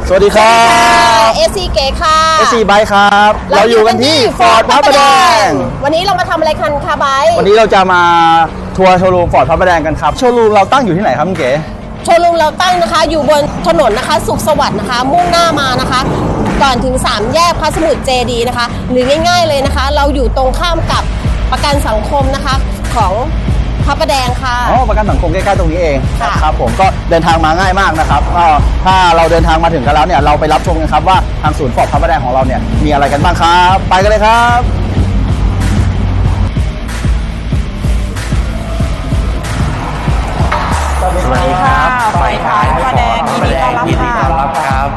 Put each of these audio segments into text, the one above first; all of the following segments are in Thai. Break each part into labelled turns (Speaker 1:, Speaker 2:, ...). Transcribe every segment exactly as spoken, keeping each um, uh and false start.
Speaker 1: สวัสดีครับ
Speaker 2: เอซีเก๋ค่ะ
Speaker 1: เอซีไบค์ครับเราอยู่กันที่ฟอร์ดพระประแดง
Speaker 2: วันนี้เรามาทำอะไรกันคะไบค์
Speaker 1: วันนี้เราจะมาทัวร์โชว์รูมฟอร์ดพระประแดงกันครับโชว์รูมเราตั้งอยู่ที่ไหนครับคุณเก๋
Speaker 2: โชว์รูมเราตั้งนะคะอยู่บนถนนนะคะสุขสวัสดิ์นะคะมุ่งหน้ามานะคะก่อนถึงสามแยกพระสมุทรเจดีย์นะคะหรือง่ายๆเลยนะคะเราอยู่ตรงข้ามกับประกันสังคมนะคะของพระประแดงค่ะ
Speaker 1: อ๋อประกันสังคมใกล้ๆตรงนี้เอง
Speaker 2: ค่ะ
Speaker 1: ครับผมก็เดินทางมาง่ายมากนะครับก็ถ้าเราเดินทางมาถึงกันแล้วเนี่ยเราไปรับชมกันครับว่าทางศูนย์ฟอร์ดพระประแดงของเราเนี่ยมีอะไรกันบ้างครับไปกันเลยครับ
Speaker 3: สวัสดีครับไฟท้ายพระประแดงยินดีต้อนรับครับ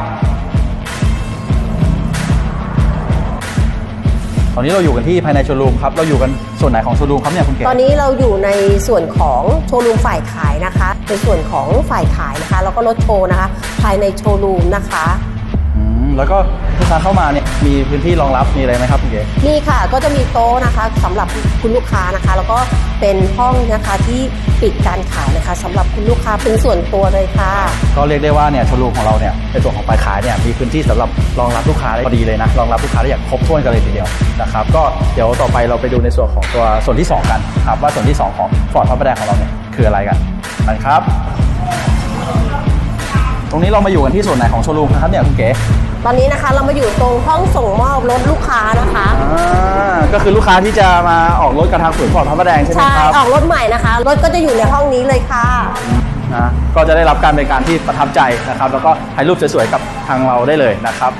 Speaker 1: ตอนนี้เราอยู่กันที่ภายในโชว์รูมครับเราอยู่กันส่วนไหนของโชว์รูมครับเนี่ยคุณเก๋
Speaker 2: ตอนนี้เราอยู่ในส่วนของโชว์รูมฝ่ายขายนะคะในส่วนของฝ่ายขายนะคะแล้วก็รถโชว์นะคะภายในโชว์รูมนะคะ
Speaker 1: อืมแล้วก็ลูกค้าเข้ามาเนี่ยมีพื้นที่รองรับมีอะไรไหมครับคุณเก๋
Speaker 2: มีค่ะก็จะมีโต๊ะนะคะสำหรับคุณลูกค้านะคะแล้วก็เป็นห้องนะคะที่ปิดการขายนะคะสำหรับคุณลูกค้าเป็นส่วนตัวเลยค่ะ
Speaker 1: ก็เรียกได้ว่าเนี่ยโชว์รูมของเราเนี่ยในส่วนของฝ่ายขายเนี่ยมีพื้นที่สำหรับรองรับลูกค้าได้พอดีเลยนะรองรับลูกค้าได้อย่างครบถ้วนกันเลยทีเดียวนะครับก็เดี๋ยวต่อไปเราไปดูในส่วนของตัวส่วนที่สองกันครับว่าส่วนที่สองของฟอร์ดพระประแดงของเราเนี่ยคืออะไรกันนะครับตรงนี้เรามาอยู่กันที่ส่วนไหนของโชว์รูมครับเนี่ยคุณเก๋
Speaker 2: ตอนนี้นะคะเรามาอยู่ตรงห้องส่งมอบรถลูกค้านะคะ
Speaker 1: อ่าก็คือลูกค้าที่จะมาออกรถกับทางศูนย์ฟอร์ดพระประแดงใช่ไหมครับ
Speaker 2: ใช่ออกรถใหม่นะคะรถก็จะอยู่ในห้องนี้เลยค่ะ
Speaker 1: นะก็จะได้รับการบริการที่ประทับใจนะครับแล้วก็ถ่ายรูปสวยๆกับทางเราได้เลยนะครับ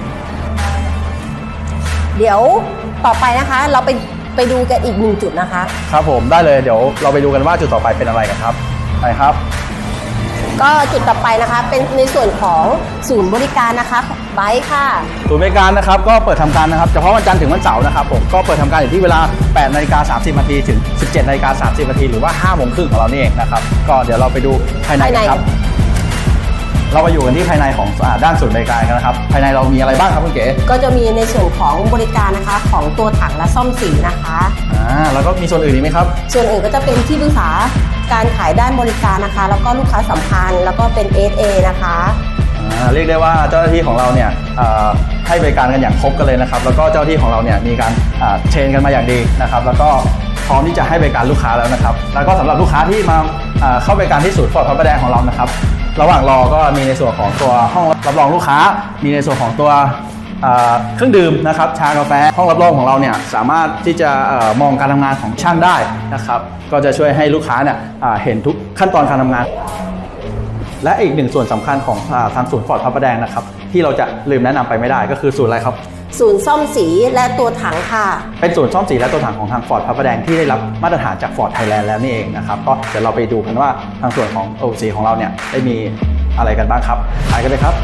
Speaker 2: เดี๋ยวต่อไปนะคะเราไปไปดูกันอีกหนึ่งจุดนะคะ
Speaker 1: ครับผมได้เลยเดี๋ยวเราไปดูกันว่าจุดต่อไปเป็นอะไรกันครับไปครับ
Speaker 2: ก็จุดต่อไปนะคะเป็นในส่วนของศูนย์บริการนะคะไบค์ค่ะ
Speaker 1: ศูนย์บริการนะครับก็เปิดทำการนะครับเฉพาะวันจันทร์ถึงวันเสาร์นะครับผมก็เปิดทำการอยู่ที่เวลาแปดนาฬิกาสามสิบนาทีถึงสิบเจ็ดนาฬิกาสามสิบนาทีหรือว่าห้าโมงครึ่งของเรานี่เองนะครับก็เดี๋ยวเราไปดูภายในกันครับเรามาอยู่กันที่ภายในของด้านศูนย์บริการกันนะครับภายในเรามีอะไรบ้างครับคุณเก๋
Speaker 2: ก็จะมีในส่วนของบริการนะคะของตัวถังและซ่อมสีนะคะ
Speaker 1: อ่าแล้วก็มีส่วนอื่นอีกไหมครับ
Speaker 2: ส่วนอื่นก็จะเป็นที่ปรึกษาการขายด้านบริการนะคะแล้วก็ลูกค้าสัมพันธ์แล้วก็เป็น เอส เอ นะคะ
Speaker 1: อ่าเรียกได้ว่าเจ้าหน้าที่ของเราเนี่ยให้บริการกันอย่างครบกันเลยนะครับแล้วก็เจ้าหน้าที่ของเราเนี่ยมีการเทรนกันมาอย่างดีนะครับแล้วก็พร้อมที่จะให้บริการลูกค้าแล้วนะครับแล้วก็สำหรับลูกค้าที่มาเข้าบริการที่ศูนย์ฟอร์ดพระประแดงของเรานะครับระหว่างรอก็มีในส่วนของตัวห้องรับรองลูกค้ามีในส่วนของตัวเครื่องดื่มนะครับชากาแฟห้องรับรองของเราเนี่ยสามารถที่จะมองการทำงานของช่างได้นะครับก็จะช่วยให้ลูกค้าเนี่ยเห็นทุกขั้นตอนการทำงานและอีกหนึ่งส่วนสำคัญของทางศูนย์ฟอร์ดพระประแดงนะครับที่เราจะลืมแนะนำไปไม่ได้ก็คือศูนย์อะไรครับ
Speaker 2: ศูนย์ซ่อมสีและตัวถังค่ะ
Speaker 1: เป็นศูนย์ซ่อมสีและตัวถังของทางฟอร์ดพระประแดงที่ได้รับมาตรฐานจากฟอร์ดไทยแลนด์แล้วนี่เองนะครับก็เดี๋ยวเราไปดูกันว่าทางส่วนของโอซีของเราเนี่ยได้มีอะไรกันบ้างครับไปกันเลยครับ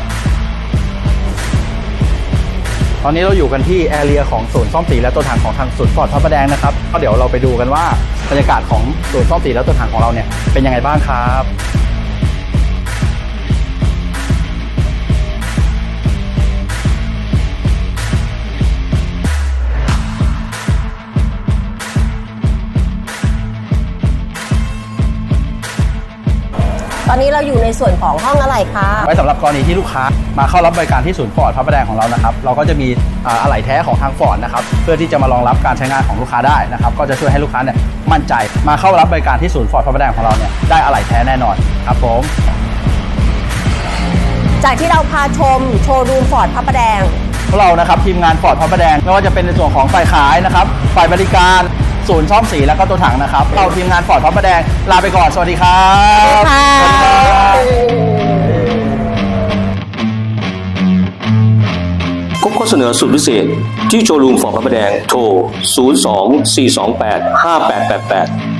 Speaker 1: ตอนนี้เราอยู่กันที่แอเรียของศูนย์ซ่อมสีและตัวถังของทางศูนย์ฟอร์ดพระประแดงนะครับก็เดี๋ยวเราไปดูกันว่าบรรยากาศของศูนย์ซ่อมสีและตัวถังของเราเนี่ยเป็นยังไงบ้างครับ
Speaker 2: ตอนนี้เราอยู่ในส่วนของห้องอะไหล่ค่ะ
Speaker 1: ไว้สำหรับกรณีที่ลูกค้ามาเข้ารับบริการที่ศูนย์ฟอร์ดพระประแดงของเรานะครับเราก็จะมีอะไหล่แท้ของทางฟอร์ดนะครับเพื่อที่จะมารองรับการใช้งานของลูกค้าได้นะครับก็จะช่วยให้ลูกค้าเนี่ยมั่นใจมาเข้ารับบริการที่ศูนย์ฟอร์ดพระประแดงของเราเนี่ยได้อะไหล่แท้แน่นอนครับผม
Speaker 2: จากที่เราพาชมโชว์รูมฟอร์ดพระประแดง
Speaker 1: พวกเรานะครับทีมงานฟอร์ดพระประแดงไม่ว่าจะเป็นในส่วนของฝ่ายขายนะครับฝ่ายบริการศูนย์ซ่อมสีแล้วก็ตัวถังนะครับเราทีมงานฟอร์ดพระประแดงลาไปก่อนสวัสดีครับ
Speaker 2: สวัสดีครับ
Speaker 3: พบข้อเสนอสุดพิเศษที่โชว์รูมฟอร์ดพระประแดงโทรศูนย์ สอง สี่ สอง แปด ห้า แปด แปด แปด